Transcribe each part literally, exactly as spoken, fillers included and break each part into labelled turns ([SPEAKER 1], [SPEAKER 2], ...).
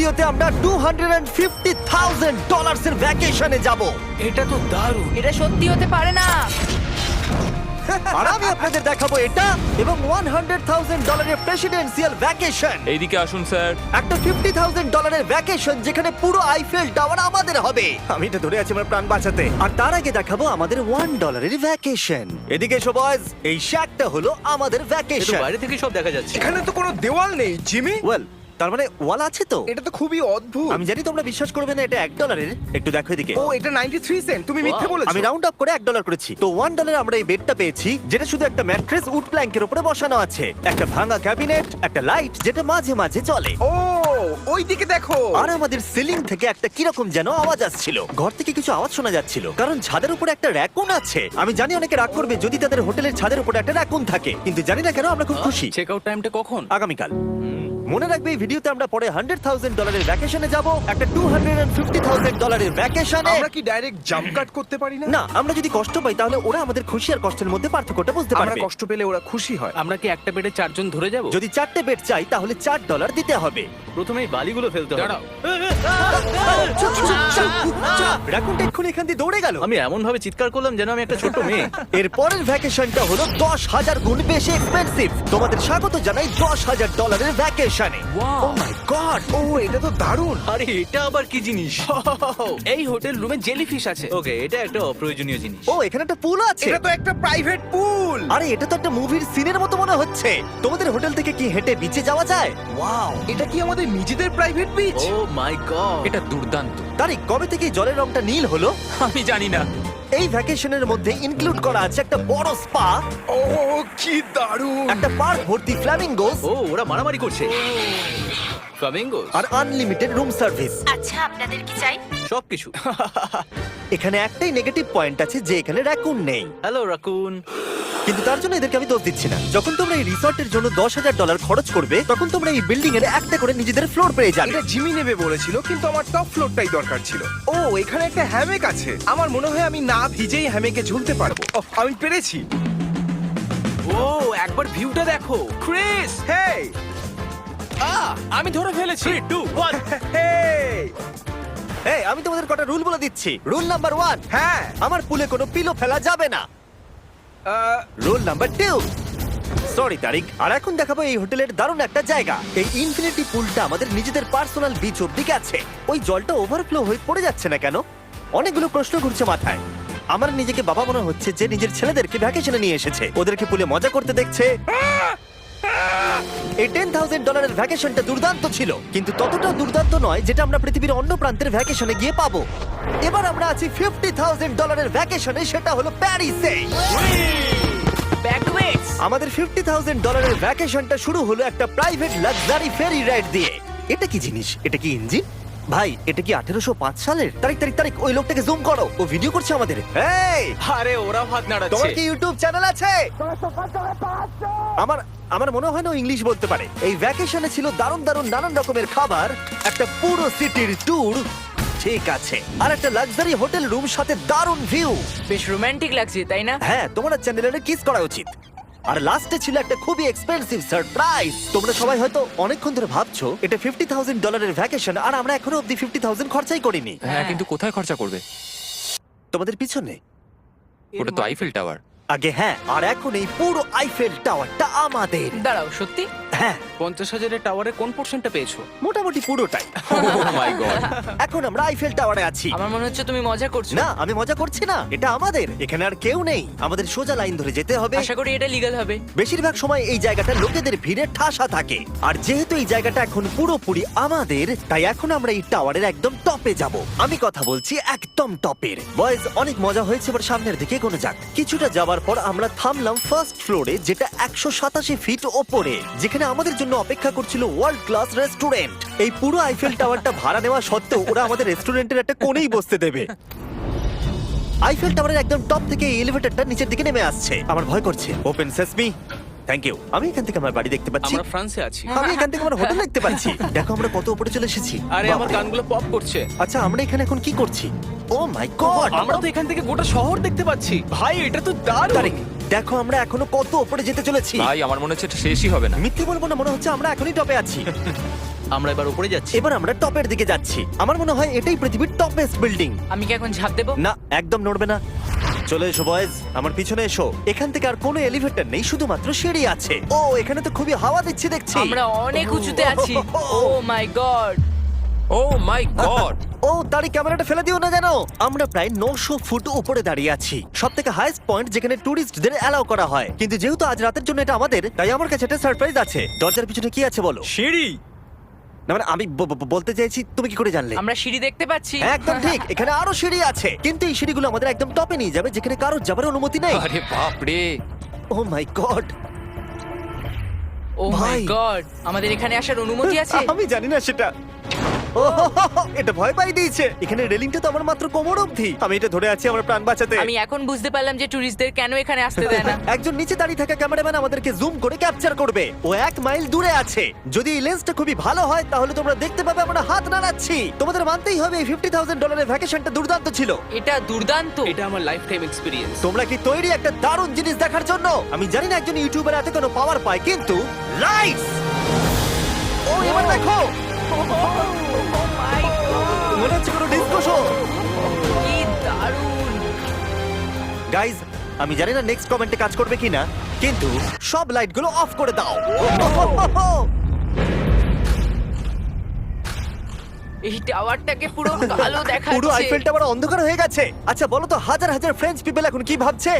[SPEAKER 1] ভিডিওতে আমরা two hundred fifty thousand dollars এর ভ্যাকেশনে যাব।
[SPEAKER 2] এটা তো দারুণ।
[SPEAKER 3] এটা সত্যি হতে পারে না।
[SPEAKER 1] আর আমি আপনাদের দেখাবো এটা এবং ওয়ান হান্ড্রেড থাউজেন্ড ডলারের প্রেসিডেন্সিয়াল ভ্যাকেশন।
[SPEAKER 2] এইদিকে আসুন স্যার।
[SPEAKER 1] একটা ফিফটি থাউজেন্ড ডলারের ভ্যাকেশন যেখানে পুরো আইফেল টাওয়ার আমাদের হবে। আমি তো ধরে আছি আমার প্রাণ বাঁচাতে। আর তার আগে দেখাবো আমাদের ওয়ান ডলারের ভ্যাকেশন। এদিকে এসো বয়স, এই শ্যাকটা হলো আমাদের
[SPEAKER 2] এটা
[SPEAKER 1] ভ্যাকেশন।
[SPEAKER 2] বাইরে থেকে সব দেখা যাচ্ছে।
[SPEAKER 4] এখানে তো কোনো দেওয়াল নেই জিমি।
[SPEAKER 1] ওয়েল, তার মানে ওয়াল আছে তো?
[SPEAKER 4] এটা তো খুবই অদ্ভুত।
[SPEAKER 1] আমি জানি তোমরা বিশ্বাস করবে না এটা এক ডলারের। একটু দেখো এদিকে।
[SPEAKER 4] ও এটা নাইনটি থ্রি সেন্ট, তুমি মিথ্যে বলেছো।
[SPEAKER 1] আমি রাউন্ড আপ করে এক ডলার করেছি। তো ওয়ান ডলারে আমরা এই বেডটা পেয়েছি যেটা শুধু একটা ম্যাট্রেস উড প্ল্যাঙ্কের উপরে বসানো আছে, একটা ভাঙা ক্যাবিনেট, একটা লাইট যেটা মাঝে মাঝে চলে,
[SPEAKER 4] ও ওই দিকে দেখো।
[SPEAKER 1] আর আমাদের সিলিং থেকে একটা কিরকম যেন আওয়াজ আসছিল। ঘর থেকে কিছু আওয়াজ শোনা যাচ্ছিল কারণ ছাদের উপরে একটা র‍্যাকুন আছে। আমি জানি অনেকে রাগ করবে যদি তাদের হোটেলের ছাদের উপরে একটা র‍্যাকুন থাকে, কিন্তু জানি না কেন আমরা খুব খুশি।
[SPEAKER 2] চেক আউট টাইমটা কখন?
[SPEAKER 1] আগামীকাল। মনে রাখবে এই ভিডিওতে আমরা পরে হান্ড্রেড থাউজেন্ড ডলারের ভ্যাকেশনে যাব, একটা টু হান্ড্রেড ফিফটি থাউজেন্ড ডলারের ভ্যাকেশনে।
[SPEAKER 4] আমরা কি ডাইরেক্ট জাম্প কাট করতে পারি না?
[SPEAKER 1] না, আমরা যদি কষ্ট পাই তাহলে ওরা আমাদের খুশি আর কষ্টের মধ্যে পার্থক্যটা বুঝতে
[SPEAKER 4] আমরা
[SPEAKER 1] পারবে।
[SPEAKER 4] কষ্ট পেলে ওরা খুশি হয়।
[SPEAKER 2] আমরা কি একটা বেডে চারজন ধরে যাব?
[SPEAKER 1] যদি চারটে বেড চাই তাহলে চার ডলার দিতে হবে।
[SPEAKER 2] প্রথমেই বালিগুলো ফেলতে হবে।
[SPEAKER 1] রাকুনটা এক্ষুনি এখান দিয়ে দৌড়ে গেল।
[SPEAKER 2] আমি এমন ভাবে চিৎকার করলাম যেন আমি একটা ছোট মেয়ে।
[SPEAKER 1] এর পরের ভ্যাকেশনটা হলো দশ হাজার গুণ বেশি এক্সপেন্সিভ। তোমাদের স্বাগত জানাই দশ হাজার ডলারের ভ্যাকেশনে। ও মাই গড,
[SPEAKER 4] ও এটা তো দারুণ।
[SPEAKER 2] আরে এটা আবার কি জিনিস?
[SPEAKER 5] এই হোটেল রুমে জেলিফিশ আছে।
[SPEAKER 2] ওকে, এটা একটা অপ্রয়োজনীয় জিনিস।
[SPEAKER 1] ও এখানে একটা পুল আছে।
[SPEAKER 4] এটা তো একটা প্রাইভেট পুল।
[SPEAKER 1] আরে এটা তো একটা মুভির সিনের মতো মনে হচ্ছে। তোমাদের হোটেল থেকে কি হেঁটে বিচে যাওয়া যায়? ওয়াও,
[SPEAKER 4] এটা কি আমাদের নিজেদের private beach?
[SPEAKER 2] Oh my God,
[SPEAKER 5] এটা দুর্দান্ত।
[SPEAKER 1] তারিক কবে থেকে এই জলের রংটা নীল হলো?
[SPEAKER 5] আমি জানি না।
[SPEAKER 1] এই ভ্যাকেশনের মধ্যে ইনক্লুড করা আছে একটা বড় স্পা,
[SPEAKER 4] ও কি দারুণ।
[SPEAKER 1] একটা পার্ক ভর্তি ফ্ল্যামিঙ্গোস
[SPEAKER 2] ও ওরা মারামারি করছে। ফ্লামিঙ্গো
[SPEAKER 1] আর আনলিমিটেড রুম সার্ভিস।
[SPEAKER 3] আচ্ছা, আপনাদের কি চাই?
[SPEAKER 2] সবকিছু।
[SPEAKER 1] এখানে একটাই নেগেটিভ পয়েন্ট আছে যে এখানে র‍্যাকুন নেই,
[SPEAKER 2] হ্যালো রাকুন।
[SPEAKER 1] কিন্তু তার জন্য এদেরকে আমি দোষ দিচ্ছি না। যখন তোমরা এই রিসর্টের জন্য দশ হাজার ডলার খরচ করবে তখন তোমরা এই বিল্ডিং এর একটা করে নিজেদের ফ্লোর পেয়ে যাবে।
[SPEAKER 4] এটা জিমি নেবে বলেছিল কিন্তু আমার টপ ফ্লোরটাই দরকার ছিল। ও এখানে একটা হ্যামেক আছে। আমার মনে হয় আমি না ভিজেই হ্যামেকে ঝুলতে পারবো। ওহ, আমি পেরেছি।
[SPEAKER 5] ও একবার ভিউটা দেখো ক্রিস।
[SPEAKER 4] হেই
[SPEAKER 5] আহ, আমি ধরে ফেলেছি। Two one.
[SPEAKER 4] হেই
[SPEAKER 1] এই আমি তোমাদের কটা রুল বলে দিচ্ছি। রুল নাম্বার ওয়ান,
[SPEAKER 4] হ্যাঁ
[SPEAKER 1] আমার পুলে কোনো পিলো ফেলা যাবে না।
[SPEAKER 4] Ah,
[SPEAKER 1] rule number two, sorry Tareq. আর এখন দেখাবো এই হোটেলের দারুণ একটা জায়গা। এই ইনফিনিটি পুলটা আমাদের নিজেদের পার্সোনাল বিচ অব্দি আছে। ওই জলটা ওভারফ্লো হয়ে পড়ে যাচ্ছে না কেন? অনেকগুলো প্রশ্ন ঘুরছে মাথায়। আমার নিজেকে বাবা মনে হচ্ছে যে নিজের ছেলেদেরকে ভ্যাকেশনে নিয়ে এসেছে, ওদেরকে পুলে মজা করতে দেখছে। এই টেন থাউজেন্ড ডলারের ভ্যাকেশনটা দুর্দান্ত ছিল, কিন্তু ততটা দুর্দান্ত নয় যেটা আমরা পৃথিবীর অন্য প্রান্তের ভ্যাকেশনে গিয়ে পাবো। এবার আমরা আছি ফিফটি থাউজেন্ড ডলারের ভ্যাকেশনে, সেটা হলো প্যারিসে।
[SPEAKER 3] ব্যাকওয়েটস।
[SPEAKER 1] আমাদের ফিফটি থাউজেন্ড ডলারের ভ্যাকেশনটা শুরু হলো একটা প্রাইভেট লাক্সারি ফেরি রাইড দিয়ে। এটা কি জিনিস? এটা কি ইঞ্জিন? ভাই এটা কি আঠেরোশো পাঁচ সালের? তারিখ তারিখ তারিখ ওই লোকটাকে জুম করো, ও ভিডিও করছে আমাদের। এই
[SPEAKER 5] আরে ওরা হাত
[SPEAKER 1] তোমার
[SPEAKER 5] নাড়াচ্ছে।
[SPEAKER 1] কি ইউটিউব চ্যানেল আছে? আমার আমার মনে হয় না ও ইংলিশ বলতে পারে। এই ভ্যাকেশনে ছিল দারুণ দারুণ নানান রকমের খাবার, একটা পুরো সিটির ট্যুর, ঠিক আছে, আর একটা লাক্সারি হোটেল রুম সাথে দারুণ ভিউ।
[SPEAKER 3] বেশ রোমান্টিক লাগছে, তাই না?
[SPEAKER 1] হ্যাঁ, তোমার চ্যানেলের কিস করা উচিত। আর লাস্টে ছিল একটা খুবই এক্সপেন্সিভ সারপ্রাইজ। তোমরা সবাই হয়তো অনেকক্ষণ ধরে ভাবছো এটা ফিফটি থাউজেন্ড ডলারের ভ্যাকেশন আর আমরা এখনো অব্দি ফিফটি থাউজেন্ড খরচাই করিনি।
[SPEAKER 5] হ্যাঁ, কিন্তু কোথায় খরচা করবে?
[SPEAKER 1] তোমাদের পিছনে
[SPEAKER 5] ওটা তো আইফেল টাওয়ার।
[SPEAKER 1] আগে হ্যাঁ, আর এখন এই পুরো আইফেল টাওয়ারটা আমাদের।
[SPEAKER 3] দাঁড়াও, সত্যি?
[SPEAKER 1] হ্যাঁ,
[SPEAKER 5] পঞ্চাশ হাজারের টাওয়ারের কোন পোর্শনটা পেয়েছো?
[SPEAKER 1] মোটামুটি পুরোটাই।
[SPEAKER 5] Oh my God.
[SPEAKER 1] এখন আমরা আইফেল টাওয়ারে আছি।
[SPEAKER 3] আমার মনে হচ্ছে তুমি মজা করছো।
[SPEAKER 1] না, আমি মজা করছি না, এটা আমাদের। এখানে আর কেউ নেই, আমাদের সোজা লাইন ধরে যেতে হবে।
[SPEAKER 3] আশা করি এটা লিগ্যাল হবে।
[SPEAKER 1] বেশিরভাগ সময় এই জায়গাটা লোকেদের ভিড়ে ঠাসা থাকে, আর যেহেতু এই জায়গাটা এখন পুরোপুরি আমাদের, তাই এখন আমরা এই টাওয়ারের একদম টপে যাব। আমি কথা বলছি একদম টপের। বয়েজ, অনেক মজা হয়েছে, এবার সামনের দিকে এগোনো যাক। কিছুটা যাওয়ার পর আমরা থামলাম ফার্স্ট ফ্লোরে, যেটা একশো সাতাশি ফিট ওপরে, যেখানে আমাদের জন্য অপেক্ষা করছিল ওয়ার্ল্ড ক্লাস রেস্টুরেন্ট। এই পুরো আইফেল টাওয়ারটা ভাড়া নেওয়া সত্ত্বেও ওরা আমাদের রেস্টুরেন্টের একটা কোণেই বসতে দেবে। আইফেল টাওয়ারের একদম টপ থেকে এই এলিভেটরটা নিচের দিকে নেমে আসছে। আমার ভয় করছে। Open sesame. Thank you. আমি এখান থেকে আমার বাড়ি দেখতে পাচ্ছি।
[SPEAKER 5] আমরা ফ্রান্সে আছি।
[SPEAKER 1] আমি এখান থেকে আমার হোটেল দেখতে পাচ্ছি। দেখো আমরা কত উপরে চলে এসেছি।
[SPEAKER 5] আরে আমার
[SPEAKER 1] বাপরে।
[SPEAKER 5] কানগুলো পপ করছে।
[SPEAKER 1] আচ্ছা, আমরা এখানে এখন কি করছি? ও মাই গড,
[SPEAKER 5] আমরা তো এখান থেকে গোটা শহর দেখতে পাচ্ছি। ভাই এটা তো দারুণ।
[SPEAKER 1] তারিক, দেখো আমরা এখনো কত উপরে যেতে চলেছি।
[SPEAKER 5] ভাই আমার মনে হচ্ছে এটা শেষই হবে না।
[SPEAKER 1] মিথ্যে বলবো না, মনে হচ্ছে আমরা এখনই টপে আছি।
[SPEAKER 2] আমরা এবার উপরে যাচ্ছি।
[SPEAKER 1] এবার আমরা টপের দিকে যাচ্ছি। আমার মনে হয় এটাই পৃথিবীর টপেস্ট বিল্ডিং।
[SPEAKER 3] আমি কি এখন ঝাঁপ দেবো?
[SPEAKER 1] না, একদম নড়বে না। চলে এসো বয়েজ, আমার পিছনে এসো। এখান থেকে আর কোনো এলিভেটর নেই, শুধুমাত্র সিঁড়ি আছে। ও, এখানে তো খুবই হাওয়া দিচ্ছে দেখছি।
[SPEAKER 3] আমরা অনেক উঁচুতে আছি। ও my god!
[SPEAKER 6] O my god!
[SPEAKER 1] ও, তারই ক্যামেরাটা ফেলে দিও না জানো। আমরা প্রায় নশো ফুট উপরে দাঁড়িয়ে আছি, সব থেকে হাইস্ট পয়েন্ট যেখানে টুরিস্টদের অ্যালাউ করা হয়। কিন্তু যেহেতু আজ রাতের জন্য এটা আমাদের, তাই আমার কাছে একটা সারপ্রাইজ আছে। দরজার পিছনে কি আছে বলো?
[SPEAKER 2] সিঁড়ি।
[SPEAKER 1] না মানে আমি ব- ব- বলতে চাইছি, তুমি কি করে জানলে?
[SPEAKER 3] আমরা সিঁড়ি দেখতে পাচ্ছি।
[SPEAKER 1] হ্যাঁ, একদম ঠিক, এখানে আরো সিঁড়ি আছে। কিন্তু এই সিঁড়িগুলো আমাদের একদম টপে নিয়ে যাবে, যেখানে কারোর যাবার অনুমতি নেই।
[SPEAKER 6] আরে বাপ রে!
[SPEAKER 1] ও মাই গড!
[SPEAKER 3] ও মাই
[SPEAKER 1] ভাই।
[SPEAKER 3] গড! আমাদের এখানে আসার অনুমতি আছে?
[SPEAKER 1] আমি জানি না সেটা। ও হো হো হো, এটা ভয় পাই দিয়েছে। এখানে রেলিংটা তো আমার মাত্র কোমর অবধি। আমি এটা ধরে আছি আমার প্রাণ বাঁচাতে।
[SPEAKER 3] আমি এখন বুঝতে পারলাম যে ট্যুরিস্টদের কেন এখানে আসতে দেয় না।
[SPEAKER 1] একজন নিচে দাঁড়িয়ে থাকা ক্যামেরাম্যান আমাদেরকে জুম করে ক্যাপচার করবে। ও এক মাইল দূরে আছে। যদি এই লেন্সটা খুবই ভালো হয় তাহলে তোমরা দেখতে পাবে আমরা হাত নাড়াচ্ছি। তোমাদের মানতেই হবে এই ফিফটি থাউজেন্ড ডলারের ভ্যাকেশনটা দুর্দান্ত ছিল।
[SPEAKER 3] এটা দুর্দান্ত।
[SPEAKER 5] এটা আমার লাইফ টাইম এক্সপিরিয়েন্স।
[SPEAKER 1] তোমরা কি তৈরি একটা দারুণ জিনিস দেখার জন্য? আমি জানি না একজন ইউটিউবার এত কোনো পাওয়ার পায়, কিন্তু লাইটস! ও, এবার দেখো, মনে হচ্ছে কোনো ডিসকো শো।
[SPEAKER 3] কি দারুণ!
[SPEAKER 1] গাইজ, আমি জানি না নেক্সট কমেন্টে কাজ করবে কিনা, কিন্তু সব লাইটগুলো অফ করে দাও।
[SPEAKER 3] এই টাওয়ারটাকে পুরো কালো দেখাচ্ছে।
[SPEAKER 1] পুরো আইফেল টাওয়ার অন্ধকার হয়ে গেছে। আচ্ছা বলো তো, হাজার হাজার ফ্রেঞ্চ পিপল এখন কি ভাবছে?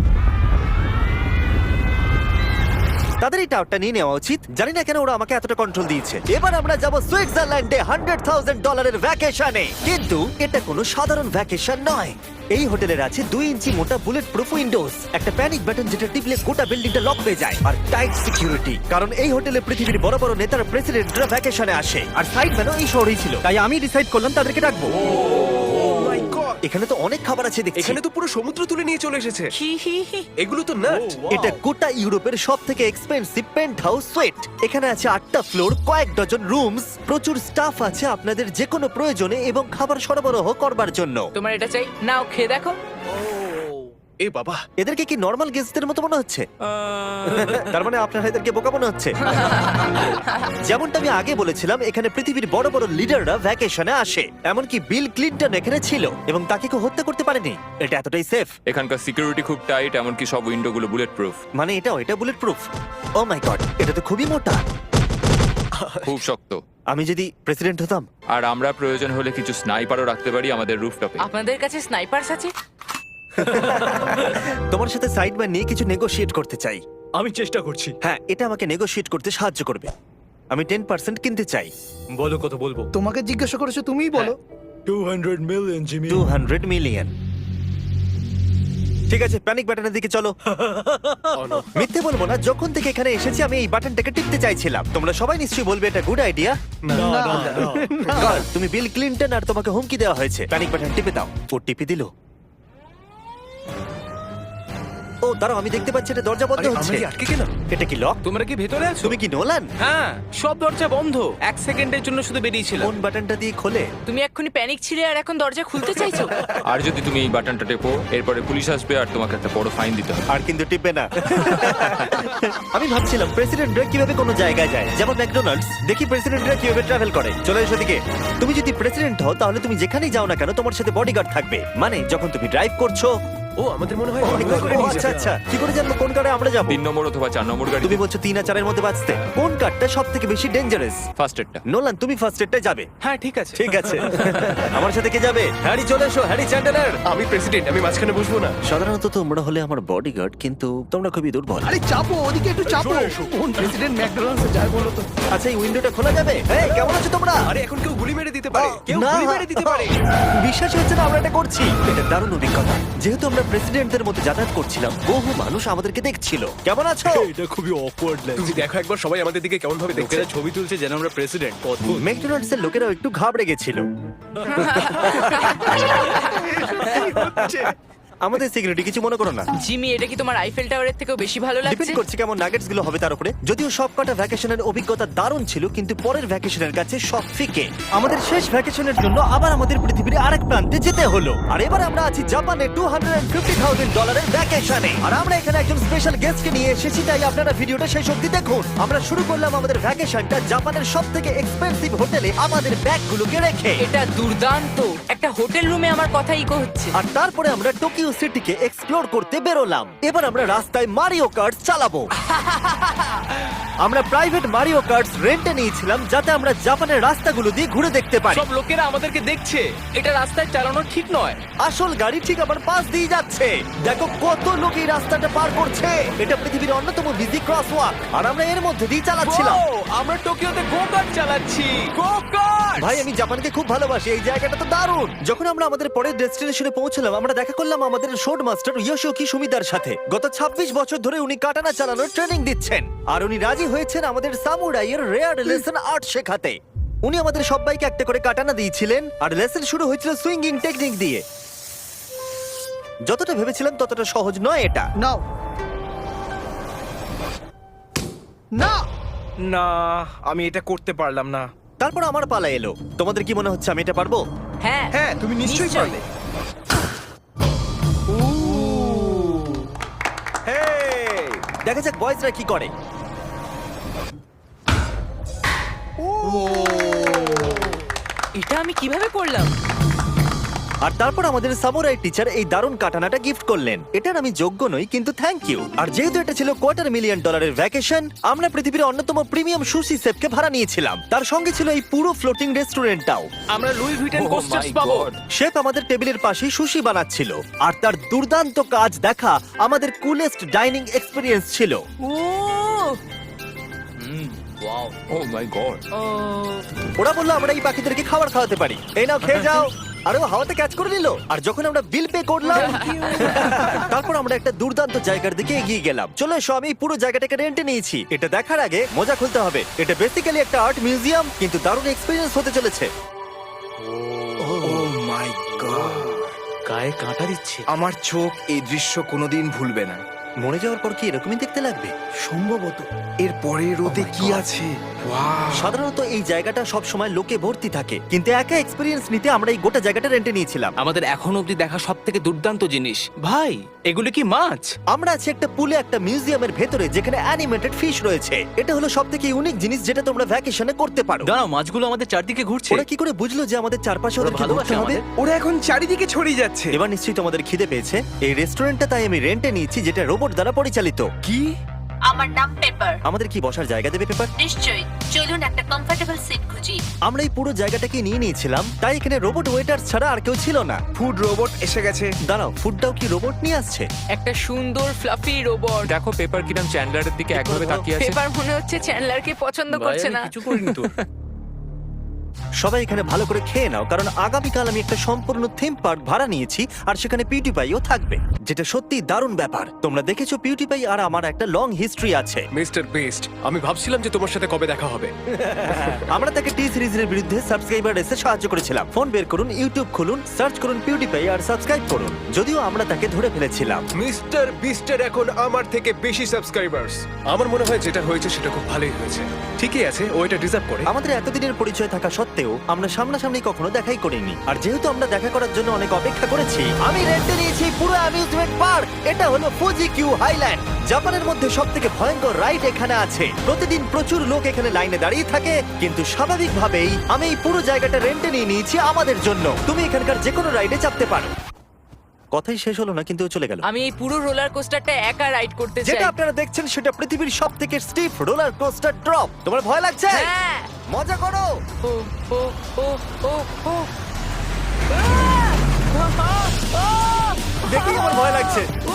[SPEAKER 1] তাদের এই টাওয়ারটা নিয়ে নেওয়া উচিত। জানি না কেন ওরা আমাকে এতটা কন্ট্রোল দিয়েছে। এবার আমরা যাব সুইজারল্যান্ডে হান্ড্রেড থাউজেন্ড ডলারের ভ্যাকেশনে। কিন্তু এটা কোনো সাধারণ ভ্যাকেশন নয়। এই হোটেলের আছে দুই ইঞ্চি মোটা বুলেট প্রুফ উইন্ডোজ, একটা প্যানিক বাটন যেটা টিপলে গোটা বিল্ডিংটা লক হয়ে যায়, আর টাইট সিকিউরিটি। কারণ এই হোটেলে পৃথিবীর বড় বড় নেতার প্রেসিডেন্টরা ভ্যাকেশনে আসে। আর সাইডম্যানও এই শহরেই ছিল, তাই আমি ডিসাইড করলাম তাদেরকে ডাকবো।
[SPEAKER 4] My God!
[SPEAKER 1] এখানে তো অনেক খাবার আছে দেখছি।
[SPEAKER 4] এখানে তো পুরো সমুদ্র তুলে নিয়ে চলে এসেছে।
[SPEAKER 3] হি হি হি।
[SPEAKER 4] এগুলো তো নাট।
[SPEAKER 1] এটা গোটা ইউরোপের সব থেকে এক্সপেন্সিভ পেন্ট হাউস সুইট। এখানে আছে আটটা ফ্লোর, কয়েক ডজন রুমস, প্রচুর স্টাফ আছে আপনাদের যে কোনো প্রয়োজনে এবং খাবার সরবরাহ করবার জন্য।
[SPEAKER 3] তোমার এটা চাই? নাও খেয়ে দেখো।
[SPEAKER 4] এ বাবা!
[SPEAKER 1] এদেরকে কি নর্মাল গেস্টদের মতো মনে হচ্ছে? তার মানে আপনারা এদেরকে বোকা মনে হচ্ছে। যেমনটা আমি আগে বলেছিলাম, এখানে পৃথিবীর বড় বড় লিডাররা ভ্যাকেশনে আসে। এমনকি বিল ক্লিনটন এখানে ছিল এবং তাকে কেউ হত্যা করতে পারেনি। এটা এতটাই সেফ।
[SPEAKER 6] এখানকার সিকিউরিটি খুব টাইট, এমনকি সব উইন্ডো গুলো বুলেট প্রুফ।
[SPEAKER 1] মানে এটাও এটা bullet proof. Oh my God, এটা তো খুবই মোটা।
[SPEAKER 6] খুব শক্ত।
[SPEAKER 1] আমি যদি প্রেসিডেন্ট হতাম।
[SPEAKER 6] আর আমরা প্রয়োজন হলে কিছু স্নাইপারও রাখতে পারি আমাদের রুফটপে।
[SPEAKER 3] আপনাদের কাছে স্নাইপারস আছে?
[SPEAKER 1] তোমার সাথে সাইডম্যান নিয়ে কিছু নেগোশিয়েট করতে চাই।
[SPEAKER 2] আমি চেষ্টা করছি।
[SPEAKER 1] হ্যাঁ, এটা আমাকে নেগোশিয়েট করতে সাহায্য করবে। আমি টেন পার্সেন্ট কিনতে চাই।
[SPEAKER 2] বলো কত বলবো?
[SPEAKER 7] তোমাকে জিজ্ঞাসা করেছো, তুমিই বলো।
[SPEAKER 2] Two hundred million Jimmy.
[SPEAKER 1] Two hundred million. ঠিক আছে, প্যানিক বাটনের দিকে চলো। মিথ্যে বলবো না, যখন থেকে এখানে এসেছি আমি এই বাটনটাকে টিপতে চাইছিলাম। তোমরা সবাই নিশ্চয়ই বলবে এটা গুড আইডিয়া। তুমি বিল ক্লিনটন আর তোমাকে হুমকি দেওয়া হয়েছে। প্যানিক বাটন টিপে দাও। ও টিপে দিল। ও দাঁড়াও, আমি দেখতে পাচ্ছি এটা দরজা বন্ধ
[SPEAKER 4] আরে,
[SPEAKER 1] হচ্ছে।
[SPEAKER 4] আমরা কি আটকে গেলাম?
[SPEAKER 1] এটা কি লক?
[SPEAKER 5] তোমরা কি ভেতরে আছো?
[SPEAKER 1] তুমি কি নোলান?
[SPEAKER 5] হ্যাঁ, সব দরজা বন্ধ। এক সেকেন্ডের জন্য শুধু বেরিয়েছিলাম।
[SPEAKER 1] কোন বাটনটা দিয়ে খোলে?
[SPEAKER 3] তুমি এক্ষুনি প্যানিক ছিলে আর এখন দরজা খুলতে চাইছো?
[SPEAKER 6] আর যদি তুমি এই বাটনটা টেপো, এরপরে পুলিশ আসবে আর তোমাকে একটা বড় ফাইন দিতে হবে।
[SPEAKER 1] আর কিন্তু টিপবে না। আমি ভাবছিলাম প্রেসিডেন্টরা কিভাবে কোনো জায়গায় যায়, যেমন ম্যাকডোনাল্ডস। দেখি প্রেসিডেন্টরা কিভাবে ট্রাভেল করে। চলে এসো দিকে। তুমি যদি প্রেসিডেন্ট হও তাহলে তুমি যেখানেই যাও না কেন তোমার সাথে বডিগার্ড থাকবে। মানে যখন তুমি ড্রাইভ করছো।
[SPEAKER 4] ও, আমাদের মনে হয়
[SPEAKER 1] Oh my
[SPEAKER 4] অনেকবার
[SPEAKER 1] God,
[SPEAKER 4] করে
[SPEAKER 1] ও
[SPEAKER 4] নিয়ে
[SPEAKER 1] আচ্ছা
[SPEAKER 4] যাবে।
[SPEAKER 1] আচ্ছা, কি করে জানবো কোন কারে আমরা যাবো?
[SPEAKER 6] তিন নম্বর অথবা চার নম্বর গাড়ি।
[SPEAKER 1] তুমি বলছো তিন আর চারের মধ্যে বাঁচতে। কোন কারটা সব থেকে বেশি ডেঞ্জারাস?
[SPEAKER 6] ফার্স্ট এডটা।
[SPEAKER 1] নোলান, তুমি ফার্স্ট এডটাই যাবে।
[SPEAKER 5] হ্যাঁ, ঠিক আছে।
[SPEAKER 1] ঠিক আছে। আমার সাথে কে যাবে? হ্যারি, চলে এসো। Harry Chandler.
[SPEAKER 4] আমি প্রেসিডেন্ট, আমি মাঝখানে বসবো না।
[SPEAKER 1] সাধারণত তোমরা হলে আমার বডিগার্ড, কিন্তু তোমরা খুবই দুর্বল।
[SPEAKER 7] আরে চাপো, ওদিকে একটু চাপো। কোন প্রেসিডেন্ট ম্যাকডোনাল্ডসে যায় বলো তো?
[SPEAKER 1] আচ্ছা, এই উইন্ডোটা খোলা যাবে? এই, কেমন আছো তোমরা?
[SPEAKER 4] আরে, এখন কেউ গুলি মেরে দিতে পারে। কেউ
[SPEAKER 1] না,
[SPEAKER 4] গুলি মেরে দিতে পারে।
[SPEAKER 1] বিশ্বাস হচ্ছে না আমরা এটা করছি। এটা দারুণ অভিজ্ঞতা। যেহেতু আমরা প্রেসিডেন্টদের মধ্যে যাতায়াত করছিলাম, বহু মানুষ আমাদেরকে দেখছিল। কেমন আছো?
[SPEAKER 2] এটা খুবই অকওয়ার্ড লাগছে।
[SPEAKER 4] তুমি দেখো একবার সবাই আমাদের দিকে কেমন ভাবে দেখছে।
[SPEAKER 2] লোকেরা ছবি তুলছে যেন আমরা প্রেসিডেন্ট। অদ্ভুত।
[SPEAKER 1] ম্যাকডোনাল্ডস এর লোকেরাও একটু ঘাবড়ে গেছিল। আমাদের সিকিউরিটি কিছু মনে করো না।
[SPEAKER 3] জিমি, এটা কি তোমার আইফেল টাওয়ারের থেকেও বেশি ভালো
[SPEAKER 1] ডিপেন্ড
[SPEAKER 3] লাগছে?
[SPEAKER 1] করছে কেমন নাগেটস গুলো হবে তার উপরে। যদিও সব কটা ভ্যাকেশনের অভিজ্ঞতা দারুণ ছিল, কিন্তু পরের ভ্যাকেশনের কাছে সব ফিকে। আমাদের শেষ ভ্যাকেশনের জন্য আবার আমাদের পৃথিবীর আরেক প্রান্তে যেতে হলো। আর এবার আমরা আছি জাপানে টু হান্ড্রেড ফিফটি থাউজেন্ড ডলারের ভ্যাকেশনে। আর আমরা এখানে একজন স্পেশাল গেস্টকে নিয়ে এসেছি, তাই আপনারা ভিডিওটা শেষ অবধি দেখুন। আমরা শুরু করলাম আমাদের ভ্যাকেশনটা জাপানের সব থেকে এক্সপেন্সিভ হোটেলে আমাদের ব্যাগগুলোকে রেখে।
[SPEAKER 3] এটা দুর্দান্ত। একটা হোটেল রুমে আমার কথা ইকো হচ্ছে।
[SPEAKER 1] আর তারপরে আমরা টোকিও সিটিকে এক্সপ্লোর করতে বেরোলাম। এবার আমরা রাস্তায় মারিও কার্ট চালাবো। আমরা প্রাইভেট মারিও কার্টস রেন্টে নিয়েছিলাম, যাতে আমরা জাপানের রাস্তাগুলো দিয়ে ঘুরে দেখতে পারি।
[SPEAKER 5] সব লোকেরা আমাদেরকে দেখছে। এটা রাস্তায় চালানো ঠিক নয়।
[SPEAKER 1] আসল গাড়ি ঠিক আমার পাশ দিয়ে যাচ্ছে। দেখো কত লোক এই রাস্তাটা পার করছে। এটা পৃথিবীর অন্যতম বিজি ক্রসওয়াক, আর আমরা এর মধ্যে দিয়ে চালাচ্ছিলাম।
[SPEAKER 5] ও, আমরা টোকিওতে গো কার্ট চালাচ্ছি। Go kart!
[SPEAKER 1] ভাই, আমি জাপানকে খুব ভালোবাসি। এই জায়গাটা তো দারুণ। যখন আমরা আমাদের পরের ডেস্টিনেশনে পৌঁছলাম, আমরা দেখা করলাম আমাদের শোড মাস্টার ইয়োশিওকি সুমিদার সাথে। গত ছাব্বিশ বছর ধরে উনি কাটানা চালানোর ট্রেনিং দিচ্ছেন, আর উনি রাজি হয়েছেন আমাদের সামুরাইয়ের রেয়ার লেসন আর্ট শেখাতে। উনি আমাদের সবাইকে একটা করে কাটানা দিয়েছিলেন, আর লেসন শুরু হয়েছিল সুইঙ্গিং টেকনিক দিয়ে। যতটা ভেবেছিলাম ততটা সহজ নয় এটা।
[SPEAKER 7] নাও না
[SPEAKER 4] না, আমি এটা করতে পারলাম না।
[SPEAKER 1] তারপর আমার পালা এলো। তোমাদের কি মনে হচ্ছে আমি এটা পারবো?
[SPEAKER 3] হ্যাঁ
[SPEAKER 4] হ্যাঁ, তুমি নিশ্চয়ই
[SPEAKER 3] নিশ্চয়ই।
[SPEAKER 4] পারবে। হেই!
[SPEAKER 1] দেখা যাক বয়েজরা কি করে।
[SPEAKER 3] এটা আমি কিভাবে করলাম?
[SPEAKER 1] আর তারপর আমাদের সামুরাই টিচার এই দারুণ কাটানাটা গিফট করলেন। এটার আমি যোগ্য নই, কিন্তু থ্যাংক ইউ। আর যেহেতু এটা ছিল কোয়ার্টার মিলিয়ন ডলারের ভ্যাকেশন, আমরা পৃথিবীর অন্যতম প্রিমিয়াম সুশি শেফকে ভাড়া নিয়েছিলাম। তার সঙ্গে ছিল এই পুরো ফ্লোটিং রেস্টুরেন্টটাও।
[SPEAKER 5] আমরা Louis Vuitton
[SPEAKER 6] Oh
[SPEAKER 5] coasters
[SPEAKER 6] my
[SPEAKER 5] পাবো।
[SPEAKER 6] God!
[SPEAKER 1] শেফ আমাদের টেবিলের পাশেই সুশি বানাচ্ছিল, আর তার দুর্দান্ত কাজ দেখা আমাদের কুলেস্ট ডাইনিং এক্সপিরিয়েন্স ছিল।
[SPEAKER 3] ও
[SPEAKER 6] Oh my God!
[SPEAKER 3] ও
[SPEAKER 1] ওরা বললো আমরা এই পাখিদেরকে খাবার খাওয়াতে পারি, এই নাও খেয়ে যাও। আরে ও হাওয়াতে ক্যাচ করে নিল। আর যখন আমরা বিল পে করলাম, তারপর আমরা একটা দুর্দান্ত জায়গার দিকে এগিয়ে গেলাম। চলে এসো, আমি পুরো জায়গাটাকে রেন্টে নিয়েছি। এটা দেখার আগে মজা খুলতে হবে। এটা বেসিক্যালি একটা আর্ট মিউজিয়াম, কিন্তু দারুণ এক্সপেরিয়েন্স হতে চলেছে।
[SPEAKER 4] Oh my God!
[SPEAKER 5] গায়ে কাঁটা দিচ্ছে।
[SPEAKER 4] আমার চোখ এই দৃশ্য কোনোদিন ভুলবে না।
[SPEAKER 1] মরে যাওয়ার পর কি এরকমই দেখতে লাগবে?
[SPEAKER 4] সম্ভবত এর পরে রোদে কি আছে। Wow!
[SPEAKER 1] সাধারণত এই জায়গাটা সব সময় লোকে ভর্তি থাকে, কিন্তু একা এক্সপেরিয়েন্স নিতে আমরা এই গোটা জায়গাটা রেন্টে নিয়েছিলাম।
[SPEAKER 5] আমাদের এখন অবধি দেখা সব থেকে দুর্দান্ত জিনিস। ভাই, এগুলো কি মাছ?
[SPEAKER 1] আমরা আছি একটা পুলে, একটা মিউজিয়ামের ভেতরে, যেখানে অ্যানিমেটেড ফিশ রয়েছে। এটা হলো সব থেকে ইউনিক জিনিস যেটা তোমরা ভ্যাকেশনে করতে পারো।
[SPEAKER 5] দাঁড়াও, মাছগুলো আমাদের চারদিকে ঘুরছে।
[SPEAKER 1] ওরা কি করে বুঝলো যে আমাদের চারপাশে
[SPEAKER 5] ওরা
[SPEAKER 1] ওদেরকে
[SPEAKER 5] ভালোবাসে
[SPEAKER 1] ঘুরতে হবে?
[SPEAKER 5] আমাদের।
[SPEAKER 4] ওরা এখন চারিদিকে ছড়িয়ে যাচ্ছে।
[SPEAKER 1] এবার নিশ্চয়ই তোমাদের খিদে পেয়েছে। এই রেস্টুরেন্টটা তাই আমি রেন্টে নিয়েছি, যেটা রোবট দ্বারা পরিচালিত।
[SPEAKER 4] কি?
[SPEAKER 8] আমার নাম পেপার।
[SPEAKER 1] আমাদের কি বসার জায়গা দেবে পেপার?
[SPEAKER 8] নিশ্চয়ই, চলুন একটা কমফোর্টেবল সিট খুঁজি।
[SPEAKER 1] আমরা এই পুরো জায়গাটাকে নিয়ে নিয়েছিলাম, তাই এখানে রোবট ওয়েটার ছাড়া আর কেউ ছিল না।
[SPEAKER 4] ফুড রোবট এসে গেছে।
[SPEAKER 1] দাঁড়াও, ফুডটাও কি রোবট নিয়ে আসছে?
[SPEAKER 3] একটা সুন্দর ফ্লাফি রোবট।
[SPEAKER 6] দেখো পেপার কিরম চ্যান্ডলারের দিকে একভাবে তাকিয়ে আছে।
[SPEAKER 3] পেপার মনে হচ্ছে চ্যান্ডলারকে পছন্দ
[SPEAKER 5] ভাই,
[SPEAKER 3] করছে
[SPEAKER 5] আমি
[SPEAKER 3] না।
[SPEAKER 5] কিছু করিনি তো।
[SPEAKER 1] সবাই এখানে ভালো করে খেয়ে নাও, কারণ আগামীকাল আমি একটা সম্পূর্ণ থিম পার্ক ভাড়া নিয়েছি, আর সেখানে পিউটিপাইও থাকবে, যেটা সত্যি দারুণ ব্যাপার। তোমরা দেখেছো পিউটিপাই আর আমার একটা লং হিস্ট্রি আছে।
[SPEAKER 2] মিস্টার বেস্ট, আমি ভাবছিলাম যে তোমার সাথে কবে দেখা হবে।
[SPEAKER 1] আমরা তাকে টি সিরিজের বিরুদ্ধে সাবস্ক্রাইবার রেসে সাহায্য করেছিলাম। ফোন বের করুন, ইউটিউব খুলুন, সার্চ করুন পিউটিপাই আর সাবস্ক্রাইব করুন। যদিও আমরা তাকে ধরে ফেলেছিলাম।
[SPEAKER 2] মিস্টার বিস্টের এখন আমার থেকে বেশি সাবস্ক্রাইবার্স। আমার মনে হয় যেটা হয়েছে সেটা খুব ভালোই হয়েছে। ঠিকই আছে, ও এটা ডিজার্ভ করে।
[SPEAKER 1] আমাদের এতদিনের পরিচয় থাকা সত্ত্বেও আমরা সামনাসামনি কখনো দেখাই করিনি, আর যেহেতু আমরা দেখা করার জন্য অনেক অপেক্ষা করেছি, আমি রেন্টে নিয়েছি পুরো অ্যামিউজমেন্ট পার্ক। এটা হলো ফুজি কিউ হাইল্যান্ড। জাপানের মধ্যে সব থেকে ভয়ঙ্কর রাইড এখানে আছে। প্রতিদিন প্রচুর লোক এখানে লাইনে দাঁড়িয়ে থাকে, কিন্তু স্বাভাবিকভাবেই আমি এই পুরো জায়গাটা রেন্টে নিয়ে নিয়েছি আমাদের জন্য। তুমি এখানকার যে কোনো রাইডে চাপতে পারো। কথাই শেষ হলো না, কিন্তু ও চলে গেল।
[SPEAKER 3] আমি এই পুরো রোলার কোস্টারটা একা রাইড করতে চাই।
[SPEAKER 1] যেটা আপনারা দেখছেন সেটা পৃথিবীর সব থেকে স্টিফ রোলার কোস্টার ড্রপ। তোমার ভয় লাগছে?
[SPEAKER 3] হ্যাঁ।
[SPEAKER 1] মজা করো।
[SPEAKER 3] ও ও ও ও ও
[SPEAKER 1] দেখেই আমার ভয় লাগছে।
[SPEAKER 3] ও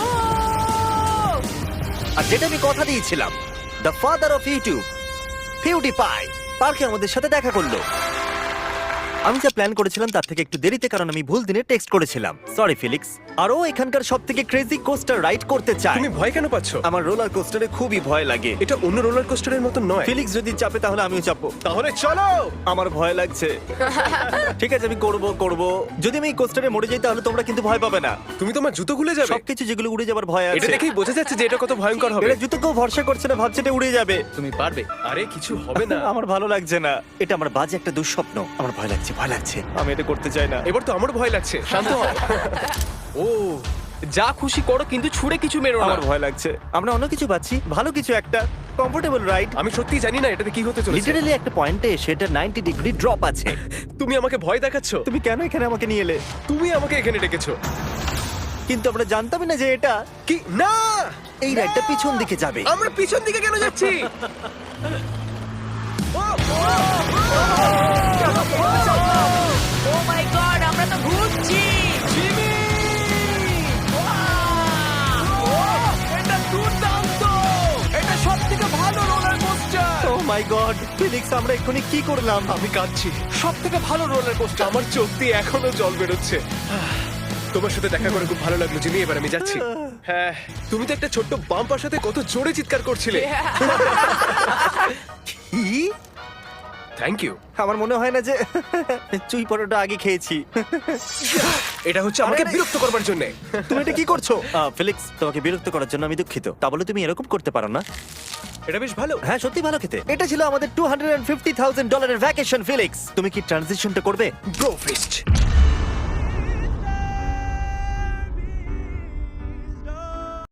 [SPEAKER 1] আর যেটা আমি কথা দিয়েছিলাম, the father of YouTube PewDiePie পার্কে আমাদের সাথে দেখা করলো। আমি যা প্ল্যান করেছিলাম তার থেকে একটু দেরিতে, কারণ আমি ভুল দিনে টেক্সট করেছিলাম। সরি ফিলিক্স। আর ও এখানকার সব থেকে ক্রেজি কোস্টার রাইড করতে চায়।
[SPEAKER 2] তুমি ভয় কেন পাচ্ছ?
[SPEAKER 1] আমার রোলার কোস্টারে খুবই ভয় লাগে।
[SPEAKER 2] এটা অন্য রোলার কোস্টারের মতো নয়।
[SPEAKER 1] ফিলিক্স যদি চাপে তাহলে আমিও চাপবো।
[SPEAKER 2] তাহলে চলো।
[SPEAKER 1] আমার ভয় লাগছে। ঠিক আছে, আমি করব করব। যদি আমি এই কোস্টারে মরে যাই তাহলে তোমরা কিন্তু ভয় পাবে না।
[SPEAKER 2] তুমি তোমার জুতো খুলে যাবে।
[SPEAKER 1] সবকিছু যেগুলো উড়ে যাবার ভয়
[SPEAKER 2] এটা
[SPEAKER 1] আছে।
[SPEAKER 2] দেখেই বোঝা যাচ্ছে যে এটা কত ভয়ঙ্কর হবে।
[SPEAKER 1] এটা জুতো কেউ ভরসা করছে না, ভাবছে এটা উড়ে যাবে।
[SPEAKER 5] তুমি পারবে।
[SPEAKER 2] আরে কিছু হবে না।
[SPEAKER 1] আমার ভালো লাগছে না। এটা আমার বাজে একটা দুঃস্বপ্ন। আমার ভয় লাগছে, ভয় লাগছে। আমি এটা করতে চাই না।
[SPEAKER 2] এবার তো আমার ভয় লাগছে। শান্ত হও।
[SPEAKER 5] ও যা খুশি করো কিন্তু ছুঁড়ে কিছু মেরো না।
[SPEAKER 1] আমার ভয় লাগছে। আমরা অন্য কিছু পাচ্ছি, ভালো কিছু একটা কমফোর্টেবল রাইড।
[SPEAKER 2] আমি সত্যি জানি না এটাতে কি হতে চলেছে।
[SPEAKER 1] লিটারালি একটা পয়েন্টে সেটা নাইনটি ডিগ্রি ড্রপ আছে।
[SPEAKER 2] তুমি আমাকে ভয় দেখাচ্ছ।
[SPEAKER 1] তুমি কেন এখানে আমাকে নিয়ে এলে?
[SPEAKER 2] তুমি আমাকে এখানে ডেকেছো।
[SPEAKER 1] কিন্তু আমরা জানতামই না যে এটা
[SPEAKER 2] কি না,
[SPEAKER 1] এই রাইডটা পিছন দিকে যাবে।
[SPEAKER 2] আমরা পিছন দিকে কেন যাচ্ছি?
[SPEAKER 3] ও মাই গড, আমরা তো ঘুরছি।
[SPEAKER 5] এটা দুর্দান্ত। এটা সবথেকে ভালো roller coaster.
[SPEAKER 1] Oh my God, Felix আমরা এক্ষুনি কি করলাম?
[SPEAKER 2] আমি কাঁদছি।
[SPEAKER 5] সবথেকে ভালো রোলার কোস্টার।
[SPEAKER 2] আমার চোখ দিয়ে এখনো জল বেরোচ্ছে। তোমার সাথে দেখা করে খুব ভালো লাগলো জিমি। এবার আমি যাচ্ছি। হ্যাঁ, তুমি তো একটা ছোট্ট বাম্পার সাথে কত জোরে চিৎকার করছিলে।
[SPEAKER 1] কি?
[SPEAKER 2] Thank you.
[SPEAKER 1] আমার মনে হয় না যে চুই পরোটা আগে খেয়েছি।
[SPEAKER 2] এটা হচ্ছে আমাকে
[SPEAKER 1] আরে, আরে।
[SPEAKER 2] বিরক্ত করবার জন্য।
[SPEAKER 1] তুমি এটা কি করছো? আহ, ফিলিক্স, তোমাকে বিরক্ত করার জন্য আমি দুঃখিত। তা বলে তুমি এরকম করতে পারো না।
[SPEAKER 2] এটা বেশ ভালো।
[SPEAKER 1] হ্যাঁ, সত্যি ভালো খেতে। এটা ছিল আমাদের টু হান্ড্রেড ফিফটি থাউজেন্ড ডলারের ভ্যাকেশন। ফিলিক্স, তুমি কি ট্রানজিশনটা করবে?
[SPEAKER 2] Bro feast.